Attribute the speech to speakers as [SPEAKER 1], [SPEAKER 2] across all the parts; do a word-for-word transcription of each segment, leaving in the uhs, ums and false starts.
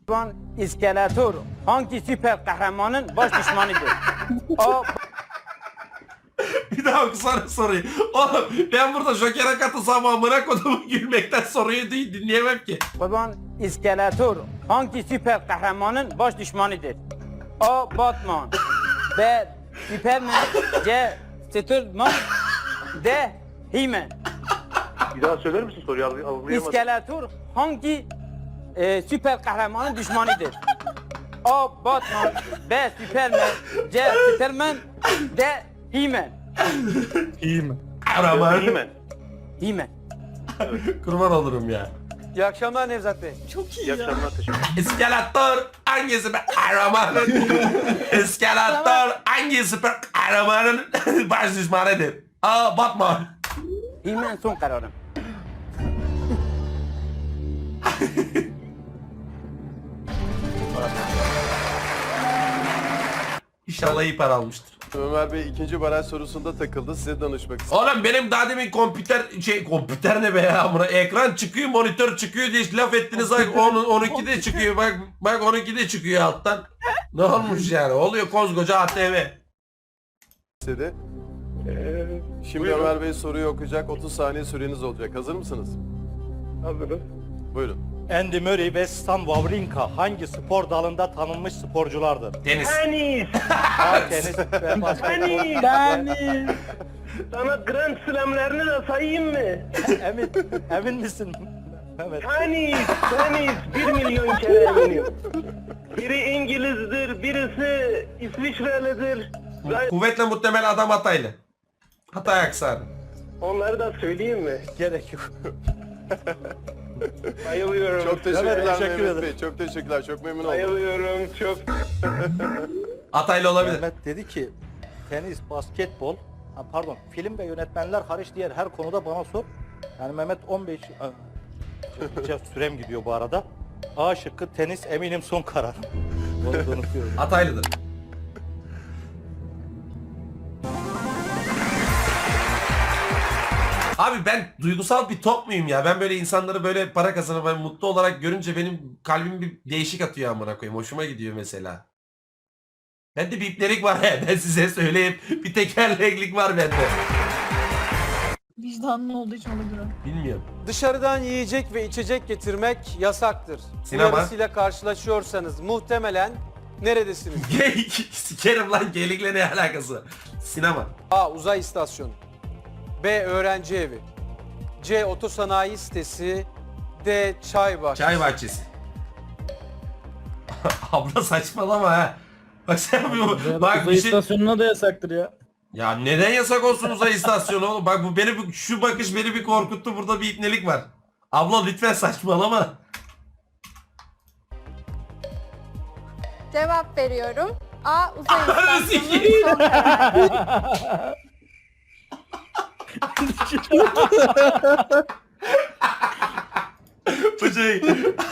[SPEAKER 1] Van İskeletor hangi süper kahramanın baş düşmanıdır? A.
[SPEAKER 2] Bir daha okusana soruyu. Oğlum ben burada Joker'e katılsam amına kodumu gülmekten soruyu değil, dinleyemem ki.
[SPEAKER 1] Van İskeletor hangi süper kahramanın baş düşmanıdır? A. Batman B. Superman C. Superman D. He-Man.
[SPEAKER 3] Bir daha söyler misin soruyu? Al- Algılayamadım.
[SPEAKER 1] İskeletor hangi e, süper kahramanın düşmanıdır? A. Batman B. Superman C. Superman D. He-Man.
[SPEAKER 4] İyi mi?
[SPEAKER 2] Kahraman.
[SPEAKER 3] Değil mi?
[SPEAKER 1] He-Man.
[SPEAKER 2] Kurban olurum ya.
[SPEAKER 1] İyi akşamlar Nevzat Bey.
[SPEAKER 3] İyi akşamlar, teşekkür ederim.
[SPEAKER 2] İskeletor hangi süper kahramanın? İskeletor hangi süper kahramanın baş düşmanıdır? A. Batman.
[SPEAKER 1] He-Man son kararım.
[SPEAKER 2] İnşallah iyi para almıştır.
[SPEAKER 5] Ömer Bey ikinci baraj sorusunda takıldı. Size danışmak istedim.
[SPEAKER 2] Oğlum benim daha demin kompüter şey kompüter ne be ya buna ekran çıkıyor monitör çıkıyor diye laf ettiniz bak onun onunki de çıkıyor bak bak onunki de çıkıyor alttan. Ne olmuş yani oluyor koskoca A T V.
[SPEAKER 5] istedi.
[SPEAKER 3] Ee,
[SPEAKER 5] Şimdi
[SPEAKER 3] buyurun.
[SPEAKER 5] Ömer Bey soruyu okuyacak. otuz saniye süreniz olacak. Hazır mısınız?
[SPEAKER 3] Hazırız.
[SPEAKER 5] Buyurun.
[SPEAKER 4] Andy Murray ve Stan Wawrinka hangi spor dalında tanınmış sporculardır?
[SPEAKER 2] Tenis.
[SPEAKER 3] Tenis!
[SPEAKER 4] A. Tenis ve basketbol.
[SPEAKER 3] Tenis! Sana Grand Slam'lerini de sayayım mı?
[SPEAKER 4] Emin, emin misin Mehmet?
[SPEAKER 3] Tenis! Tenis! Bir milyon kere eminim. Biri İngiliz'dir, birisi İsviçrelidir. Ben
[SPEAKER 2] Kuvvetle muhtemel adam Hataylı. Hatay aksanı.
[SPEAKER 3] onları da söyleyeyim mi?
[SPEAKER 4] Gerek yok.
[SPEAKER 3] Bayılıyorum.
[SPEAKER 5] Çok teşekkürler
[SPEAKER 4] Evet, teşekkür
[SPEAKER 5] Mehmet
[SPEAKER 4] ederim.
[SPEAKER 5] Bey. Çok teşekkürler. Çok memnun oldum.
[SPEAKER 3] Bayılıyorum çok.
[SPEAKER 2] Hataylı olabilir.
[SPEAKER 4] Mehmet dedi ki tenis, basketbol, ha, pardon film ve yönetmenler hariç diğer her konuda bana sor. Yani Mehmet on beş Aa, çok sürem gidiyor bu arada. A şıkkı tenis eminim son kararım. Onu da unutuyorum.
[SPEAKER 2] Hataylıdır. Abi ben duygusal bir top muyum ya? Ben böyle insanları böyle para kazanıp ben mutlu olarak görünce benim kalbim bir değişik atıyor amına koyayım. Hoşuma gidiyor mesela. Bende bir iplerik var he. Ben size söyleyeyim. Bir tekerleklik var bende.
[SPEAKER 6] Vicdanlı olduğu için olabilir.
[SPEAKER 2] Bilmiyorum.
[SPEAKER 7] Dışarıdan yiyecek ve içecek getirmek yasaktır.
[SPEAKER 2] Sinema.
[SPEAKER 7] Uyarısıyla karşılaşıyorsanız muhtemelen neredesiniz?
[SPEAKER 2] Geyik. Sikerim lan geyikle ne alakası var? Sinema.
[SPEAKER 7] A. Uzay istasyonu B. Öğrenci evi C. Otosanayi sitesi D. Çay bahçesi.
[SPEAKER 2] Çay bahçesi. Abla saçmalama ha. Bak sen bu bak
[SPEAKER 8] Uzay
[SPEAKER 2] bir şey...
[SPEAKER 8] istasyonuna da yasaktır ya.
[SPEAKER 2] Ya neden yasak olsun uzay istasyonu oğlum? Bak bu beni bir- şu bakış beni bir korkuttu. Burada bir ipnelik var. Abla lütfen saçmalama.
[SPEAKER 9] Cevap veriyorum. A. Uzay
[SPEAKER 2] Ananı
[SPEAKER 9] istasyonu
[SPEAKER 2] sikeyim.
[SPEAKER 9] son karar.
[SPEAKER 2] Bu şey.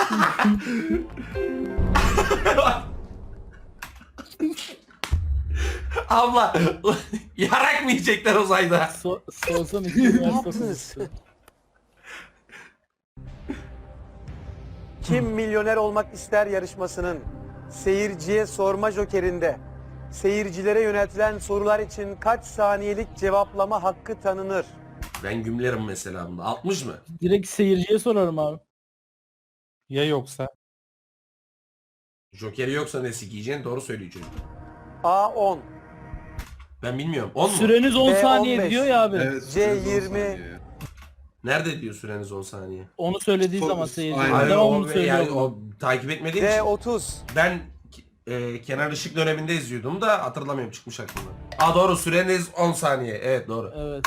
[SPEAKER 2] Abla yarak mı yiyecekler uzayda?
[SPEAKER 8] So sorsan iki üniversitesi.
[SPEAKER 7] Kim Milyoner Olmak İster yarışmasının seyirciye sorma jokerinde seyircilere yöneltilen sorular için kaç saniyelik cevaplama hakkı tanınır?
[SPEAKER 2] Ben gümlerim mesela bunda. altmış mı?
[SPEAKER 8] Direkt seyirciye sorarım abi.
[SPEAKER 4] Ya yoksa?
[SPEAKER 2] Jokeri yoksa ne sikiyeceksin? Doğru söylüyor çocuk.
[SPEAKER 7] A. on
[SPEAKER 2] Ben bilmiyorum. on mu?
[SPEAKER 8] Süreniz on
[SPEAKER 7] B
[SPEAKER 8] saniye
[SPEAKER 7] on beş.
[SPEAKER 8] diyor ya abi.
[SPEAKER 7] C. yirmi
[SPEAKER 2] Nerede diyor süreniz on saniye?
[SPEAKER 8] Onu söylediği zaman seyirci.
[SPEAKER 2] Hayır,
[SPEAKER 8] Hayır,
[SPEAKER 2] o,
[SPEAKER 8] onu söylüyor.
[SPEAKER 2] yani, o takip etmediğim
[SPEAKER 7] D.
[SPEAKER 2] için.
[SPEAKER 7] otuz
[SPEAKER 2] Ben e, Kenan Işık döneminde izliyordum da hatırlamıyorum çıkmış aklımda. Aa doğru süreniz on saniye. Evet doğru.
[SPEAKER 8] Evet.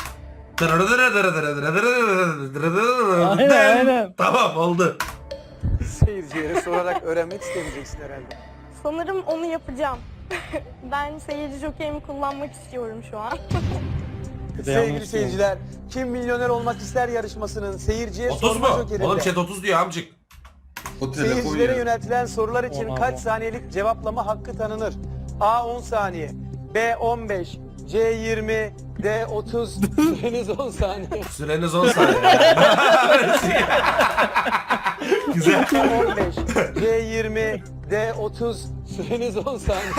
[SPEAKER 2] Aynen
[SPEAKER 8] aynen.
[SPEAKER 2] Tamam oldu.
[SPEAKER 7] Seyircilere sorarak öğrenmek istemeyeceksin herhalde.
[SPEAKER 9] Sanırım onu yapacağım. Ben seyirci jokerimi kullanmak istiyorum şu an.
[SPEAKER 7] Sevgili seyirciler, Kim Milyoner Olmak İster yarışmasının seyirciye
[SPEAKER 2] otuz
[SPEAKER 7] sorma
[SPEAKER 2] mu?
[SPEAKER 7] jokerinde
[SPEAKER 2] Oğlum chat otuz diyor amcık.
[SPEAKER 7] seyircilere yöneltilen sorular için
[SPEAKER 8] On,
[SPEAKER 7] kaç
[SPEAKER 8] on.
[SPEAKER 7] saniyelik cevaplama hakkı tanınır? A. on saniye B. on beş C. yirmi D. otuz Süreniz on saniye.
[SPEAKER 2] Süreniz on saniye. Güzel.
[SPEAKER 7] on beş, C yirmi, D otuz. Süreniz on saniye.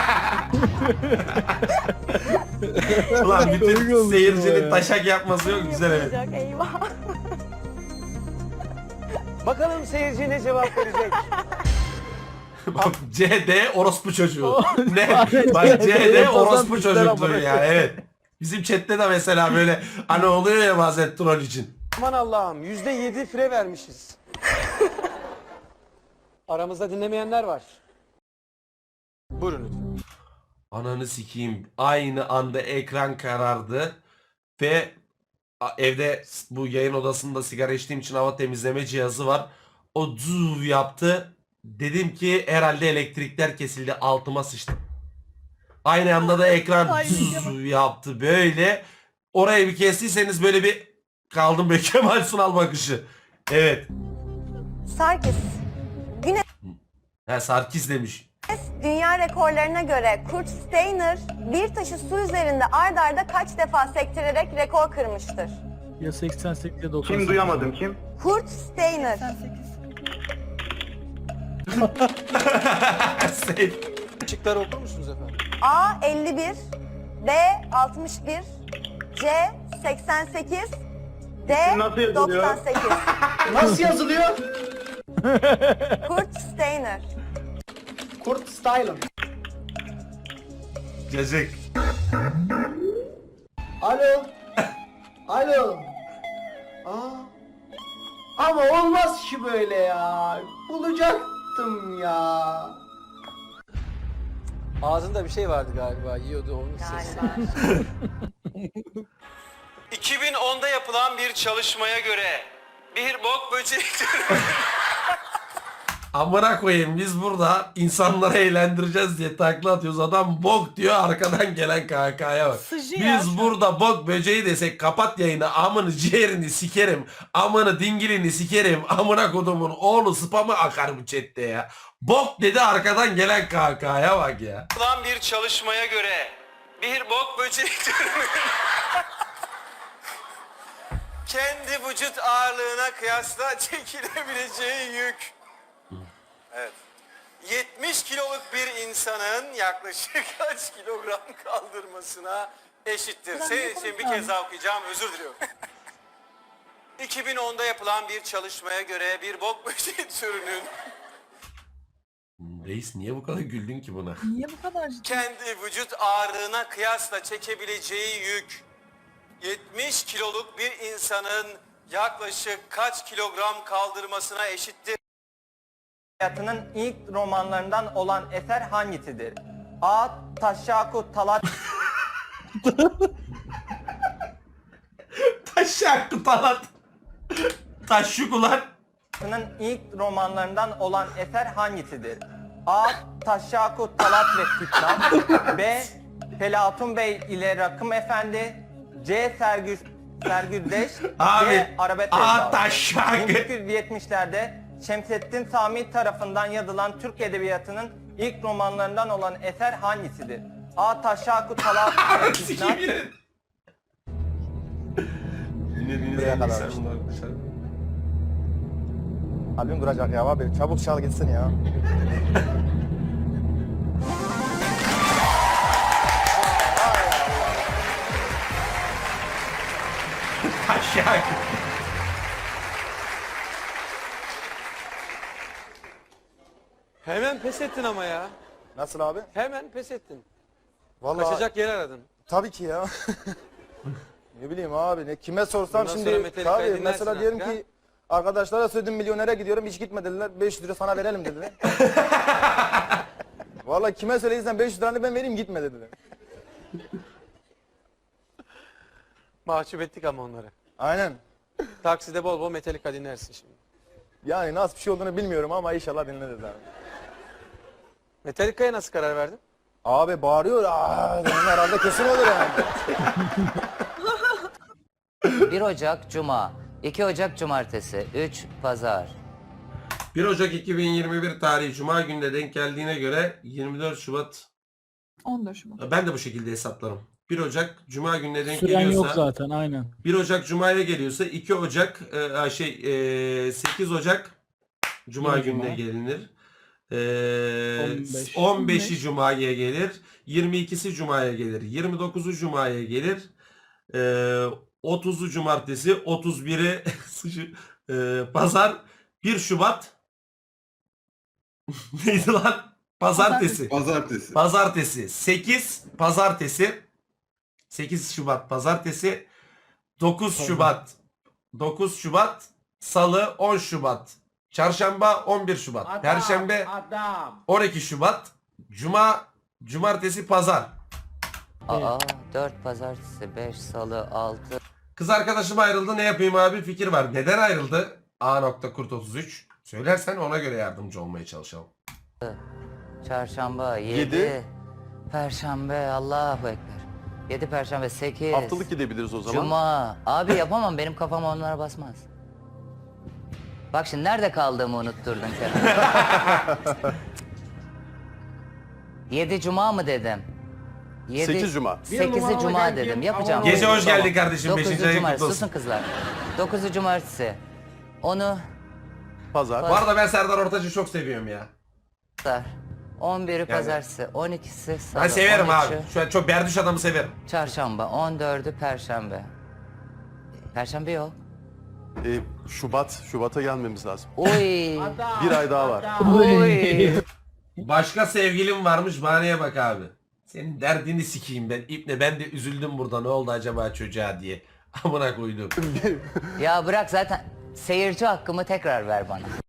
[SPEAKER 2] Ulan bütün seyircinin taşak yapması yok. Güzel evet.
[SPEAKER 9] Yapılacak, eyvah.
[SPEAKER 7] Bakalım seyirci ne cevap verecek?
[SPEAKER 2] Bak C D orospu çocuğu. Ne? Bak C D orospu çocukluğu yani evet. Bizim chatte de mesela böyle hani oluyor ya bazen troll için.
[SPEAKER 7] Aman Allah'ım yüzde yedi fire vermişiz. Aramızda dinlemeyenler var. Buyurun lütfen.
[SPEAKER 2] Ananı sikeyim. Aynı anda ekran karardı ve a- evde bu yayın odasında sigara içtiğim için hava temizleme cihazı var. O zuv yaptı. Dedim ki herhalde elektrikler kesildi. Altıma sıçtım. Aynı anda da ekran zuv yaptı böyle. Orayı bir kestiyseniz böyle bir kaldım böyle Kemal Sunal bakışı. Evet.
[SPEAKER 6] Sarkis,
[SPEAKER 2] Ha Sarkis demiş.
[SPEAKER 6] dünya rekorlarına göre Kurt Steiner bir taşı su üzerinde ard arda kaç defa sektirerek rekor kırmıştır?
[SPEAKER 8] Ya seksen sekiz ya doksan sekiz.
[SPEAKER 3] Kim duyamadım kim?
[SPEAKER 6] Kurt Steiner.
[SPEAKER 2] Safe.
[SPEAKER 7] Şıkları okur musunuz efendim?
[SPEAKER 6] A elli bir, B altmış bir, C seksen sekiz, D
[SPEAKER 3] Nasıl yazılıyor?
[SPEAKER 6] doksan sekiz.
[SPEAKER 10] Nasıl yazılıyor?
[SPEAKER 6] Kurt Steiner.
[SPEAKER 10] Kurt Styler.
[SPEAKER 2] Cacık.
[SPEAKER 10] Alo. Alo. Aa. Ama olmaz ki böyle ya. Bulacaktım ya.
[SPEAKER 7] Ağzında bir şey vardı galiba. Yiyordu onun sesi.
[SPEAKER 1] iki bin onda yapılan bir çalışmaya göre bir bok böceği
[SPEAKER 2] Amına koyayım biz burada insanları eğlendireceğiz diye takla atıyoruz. Adam bok diyor arkadan gelen kahkahaya bak. Biz burada bok böceği desek kapat yayını amını ciğerini sikerim. Amını dingilini sikerim. Amına kodumun oğlu spamı akar bu chatte ya. Bok dedi arkadan gelen kahkahaya bak ya.
[SPEAKER 1] yapılan bir çalışmaya göre bir bok böceği türünün kendi vücut ağırlığına kıyasla çekilebileceği yük. Evet. yetmiş kiloluk bir insanın yaklaşık kaç kilogram kaldırmasına eşittir? Senin için bir kez daha okuyacağım, özür diliyorum. iki bin onda yapılan bir çalışmaya göre bir bok böceği türünün
[SPEAKER 2] Reis niye bu kadar güldün ki buna?
[SPEAKER 8] Niye bu kadar?
[SPEAKER 1] kendi vücut ağırlığına kıyasla çekebileceği yük yetmiş kiloluk bir insanın yaklaşık kaç kilogram kaldırmasına eşittir?
[SPEAKER 11] Hayatının ilk romanlarından olan eser hangisidir? A. Taşşaku Talat
[SPEAKER 2] Taşak kutalat. Taşşuk ulan.
[SPEAKER 11] Hayatının ilk romanlarından olan eser hangisidir? A. Taşşaku Talat ve Fitnat, B. Pelatun Bey ile Rakım Efendi, C. Sergü Sergüzdeş,
[SPEAKER 2] Abi,
[SPEAKER 11] D. Arabet
[SPEAKER 2] A.
[SPEAKER 11] Ezdağı.
[SPEAKER 2] Taşşak.
[SPEAKER 11] bin dokuz yüz yetmişlerde Şemsettin Sami tarafından yazılan Türk Edebiyatı'nın ilk romanlarından olan eser hangisidir? A. Taşşaku Talat ve Fitnat,
[SPEAKER 2] Sikeyim yine. Dinlediğiniz en güzel bunlar arkadaşlar.
[SPEAKER 4] Kalbim duracak ya abi. Çabuk çal gitsin ya.
[SPEAKER 2] Taşak.
[SPEAKER 7] Hemen pes ettin ama ya.
[SPEAKER 4] Nasıl abi?
[SPEAKER 7] Hemen pes ettin.
[SPEAKER 4] Vallahi
[SPEAKER 7] Kaçacak yer aradın.
[SPEAKER 4] tabii ki ya. Ne bileyim abi ne kime sorsam
[SPEAKER 7] Bundan sonra
[SPEAKER 4] şimdi
[SPEAKER 7] Metallica'yı
[SPEAKER 4] tabii
[SPEAKER 7] dinlersin
[SPEAKER 4] mesela diyelim
[SPEAKER 7] artık,
[SPEAKER 4] ki arkadaşlara söyledim milyonere gidiyorum hiç gitme dediler beş yüz lira sana verelim dediler. Vallahi kime söyleyirsen beş yüz liranı ben vereyim gitme dediler.
[SPEAKER 7] Mahcup ettik ama onları.
[SPEAKER 4] Aynen.
[SPEAKER 7] Takside bol bol Metallica dinlersin şimdi.
[SPEAKER 4] Yani nasıl bir şey olduğunu bilmiyorum ama inşallah dinleriz abi.
[SPEAKER 7] Metallica'ya nasıl karar verdin?
[SPEAKER 4] Abi bağırıyor. Aa, dedim herhalde kesin olur yani.
[SPEAKER 12] bir Ocak Cuma, iki Ocak Cumartesi, üç Pazar.
[SPEAKER 2] bir Ocak iki bin yirmi bir tarihi Cuma gününe denk geldiğine göre yirmi dört Şubat.
[SPEAKER 9] on dört Şubat.
[SPEAKER 2] Ben de bu şekilde hesaplarım. bir Ocak Cuma gününe denk
[SPEAKER 8] Süren yok
[SPEAKER 2] geliyorsa,
[SPEAKER 8] zaten aynen.
[SPEAKER 2] bir Ocak Cuma'ya geliyorsa iki Ocak e, şey e, sekiz Ocak Cuma
[SPEAKER 8] Yine
[SPEAKER 2] gününe
[SPEAKER 8] Cuma.
[SPEAKER 2] gelinir. Ee,
[SPEAKER 8] on beş.
[SPEAKER 2] on beşi Cuma'ya gelir. yirmi ikisi Cuma'ya gelir. yirmi dokuzu Cuma'ya gelir. Ee, otuzu Cumartesi. otuz biri e, Pazar. bir Şubat. Neydi lan? Pazartesi.
[SPEAKER 5] Pazartesi.
[SPEAKER 2] Pazartesi. sekiz Pazartesi. sekiz Şubat Pazartesi. dokuz Şubat. dokuz Şubat Salı. on Şubat Çarşamba. on bir Şubat Perşembe. on iki Şubat Cuma. Cumartesi. Pazar.
[SPEAKER 12] Aa, dört pazartesi, beş salı, altı
[SPEAKER 2] Kız arkadaşım ayrıldı, ne yapayım abi? Fikir var. Neden ayrıldı? A. Kurt otuz üç. Söylersen ona göre yardımcı olmaya çalışalım.
[SPEAKER 12] çarşamba, yedi,
[SPEAKER 5] Yedi.
[SPEAKER 12] perşembe, Allahu Ekber. yedi perşembe, sekiz.
[SPEAKER 5] Haftalık gidebiliriz o zaman.
[SPEAKER 12] Cuma. Abi yapamam, benim kafam onlara basmaz. Bak şimdi nerede kaldığımı unutturdun Kerem. yedi Cuma mı dedim? Yedi-
[SPEAKER 5] sekiz Cuma.
[SPEAKER 12] sekizi Cuma dedim. Yapacağım.
[SPEAKER 2] Gece hoş
[SPEAKER 5] Tamam.
[SPEAKER 2] geldin kardeşim.
[SPEAKER 12] dokuzu
[SPEAKER 2] beşinci ayın
[SPEAKER 12] Cumartesi.
[SPEAKER 2] kutlu
[SPEAKER 12] Susun
[SPEAKER 2] olsun.
[SPEAKER 12] kızlar. dokuzu Cumartesi. onu
[SPEAKER 5] Pazar.
[SPEAKER 2] Bu arada ben Serdar Ortaç'ı çok seviyorum ya.
[SPEAKER 12] Pazar. on biri Pazartesi. on ikisi Salı.
[SPEAKER 2] Ben severim
[SPEAKER 12] on
[SPEAKER 2] abi.
[SPEAKER 12] üçü
[SPEAKER 2] Şu an çok berduş adamı severim.
[SPEAKER 12] Çarşamba. on dördü Perşembe. Perşembe yok.
[SPEAKER 5] Ee, Şubat. Şubat'a gelmemiz lazım.
[SPEAKER 12] Oy.
[SPEAKER 5] Bir ay daha var.
[SPEAKER 12] Oy.
[SPEAKER 2] Başka sevgilim varmış, bahaneye bak abi. Senin derdini sikeyim ben. İpne ben de üzüldüm burada, ne oldu acaba çocuğa diye. Amına koydum.
[SPEAKER 12] Ya bırak, zaten seyirci hakkımı tekrar ver bana.